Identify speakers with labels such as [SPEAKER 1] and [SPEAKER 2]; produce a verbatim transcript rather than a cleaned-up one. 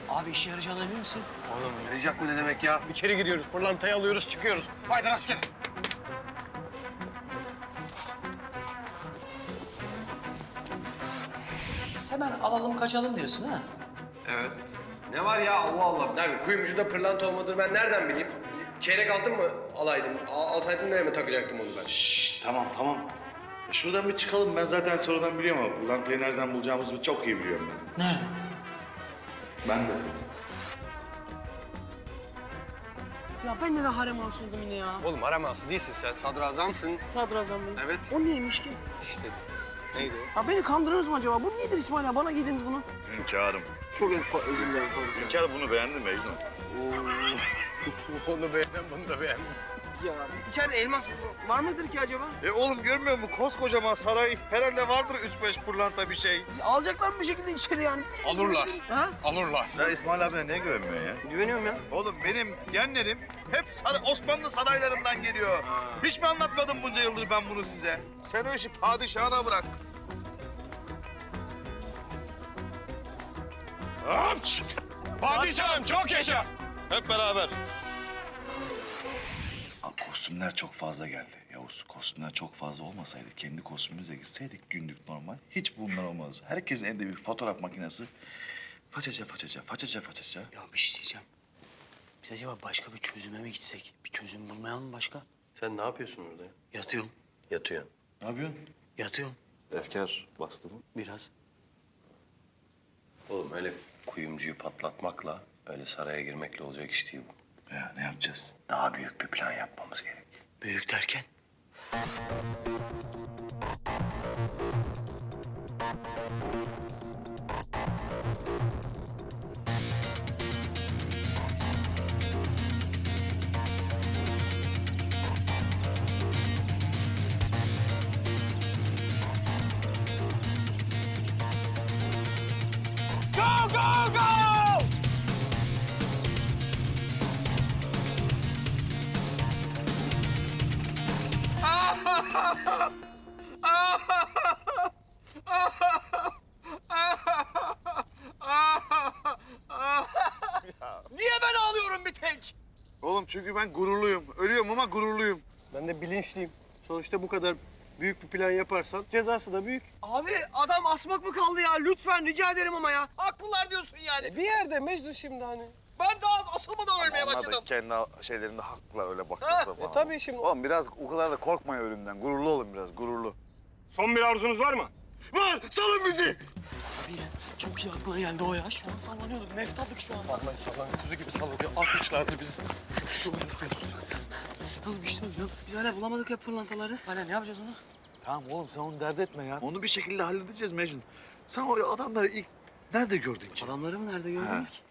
[SPEAKER 1] Abi işe yarayacağına emin misin?
[SPEAKER 2] Oğlum yarayacak mı ne demek ya? İçeri giriyoruz, pırlantayı alıyoruz, çıkıyoruz. Haydi rastgele.
[SPEAKER 1] Hemen alalım kaçalım diyorsun ha?
[SPEAKER 2] Evet. Ne var ya Allah Allah. Nerede? Kuyumcuda pırlanta olmadığını ben nereden bileyim? Çeyrek altın mı alaydım? Al, alsaydım nereye mi takacaktım onu ben?
[SPEAKER 3] Şşş, tamam tamam. Ya şuradan bir çıkalım. Ben zaten sonradan biliyorum ama pırlantayı nereden bulacağımızı çok iyi biliyorum ben.
[SPEAKER 1] Nerede?
[SPEAKER 3] Ben de.
[SPEAKER 4] Ya ben de harem ağası oldum yine ya.
[SPEAKER 2] Oğlum araması değilsin sen. Sadrazamsın.
[SPEAKER 4] Sadrazam Bey.
[SPEAKER 2] Evet.
[SPEAKER 4] O neymiş ki?
[SPEAKER 2] İşte. Neydi o?
[SPEAKER 4] Ya beni kandırıyorsunuz mu acaba? Bu nedir İsmail ya? Bana giydiniz bunu.
[SPEAKER 3] Hünkârım.
[SPEAKER 4] Çok özür dilerim.
[SPEAKER 3] Hünkâr bunu beğendi mi Mecnun?
[SPEAKER 2] Onu beğendim, bunu da beğendim.
[SPEAKER 4] Ya içeride elmas var mıdır ki acaba?
[SPEAKER 3] E oğlum görmüyor musun? Koskocaman saray. Herhalde vardır üç beş pırlanta bir şey.
[SPEAKER 4] Alacaklar mı bir şekilde içeri yani?
[SPEAKER 2] Alırlar.
[SPEAKER 4] Ha?
[SPEAKER 2] Alırlar.
[SPEAKER 3] Sen İsmail abine niye güvenmiyorsun ya?
[SPEAKER 4] Güveniyorum ya.
[SPEAKER 3] Oğlum benim genlerim hep saray, Osmanlı saraylarından geliyor. Hiç mi anlatmadım bunca yıldır ben bunu size? Sen o işi padişahına bırak. Hapş!
[SPEAKER 2] Padişahım çok yaşa.
[SPEAKER 3] Hep beraber. Kostümler çok fazla geldi Yavuz. Kostümler çok fazla olmasaydı, kendi kostümümüze gitseydik günlük normal, hiç bunlar olmaz. Herkesin elinde bir fotoğraf makinesi. Façaca façaca, façaca façaca.
[SPEAKER 1] Ya bir şey diyeceğim. Biz acaba başka bir çözüme mi gitsek? Bir çözüm bulmayalım mı başka?
[SPEAKER 5] Sen ne yapıyorsun orada?
[SPEAKER 1] Yatıyorum,
[SPEAKER 5] Yatıyorsun.
[SPEAKER 3] Ne yapıyorsun?
[SPEAKER 1] yatıyorum
[SPEAKER 5] Efkar bastı mı?
[SPEAKER 1] biraz.
[SPEAKER 2] Oğlum öyle kuyumcuyu patlatmakla, öyle saraya girmekle olacak iş değil bu.
[SPEAKER 3] Ya ne yapacağız?
[SPEAKER 2] Daha büyük bir plan yapmamız gerek.
[SPEAKER 1] Büyük derken?
[SPEAKER 2] Go, go, go!
[SPEAKER 4] Niye ben ağlıyorum bir tek?
[SPEAKER 3] Oğlum çünkü ben gururluyum. Ölüyorum ama gururluyum.
[SPEAKER 5] Ben de bilinçliyim. Sonuçta bu kadar büyük bir plan yaparsan cezası da büyük.
[SPEAKER 4] Abi adam asmak mı kaldı ya? Lütfen rica ederim ama ya. Haklılar diyorsun yani.
[SPEAKER 5] E bir yerde Mecnun şimdi hani.
[SPEAKER 4] Ben daha asılmadan ölmeye
[SPEAKER 3] Onlar
[SPEAKER 4] başladım.
[SPEAKER 3] da kendi şeylerinde haklılar öyle
[SPEAKER 4] Ha,
[SPEAKER 3] bakılsa
[SPEAKER 5] E
[SPEAKER 3] falan.
[SPEAKER 5] tabii şimdi.
[SPEAKER 3] Oğlum biraz o kadar da korkmayın ölümden. Gururlu olun biraz, gururlu.
[SPEAKER 2] Son bir arzunuz var mı?
[SPEAKER 3] Var! Salın bizi!
[SPEAKER 1] Abi çok iyi aklına geldi o ya. Şu an sallanıyorduk, nefret aldık şu an.
[SPEAKER 2] Vallahi sallan kuzu gibi sallanıyor. Atmışlardı bizi.
[SPEAKER 1] Oğlum işte hocam. Biz hala bulamadık ya pırlantaları. Hala ne yapacağız onu?
[SPEAKER 3] Tamam oğlum sen onu dert etme ya. Onu bir şekilde halledeceğiz Mecnun. Sen o adamları ilk nerede gördün ki?
[SPEAKER 1] Adamları mı nerede gördün
[SPEAKER 3] Ha.
[SPEAKER 1] ki?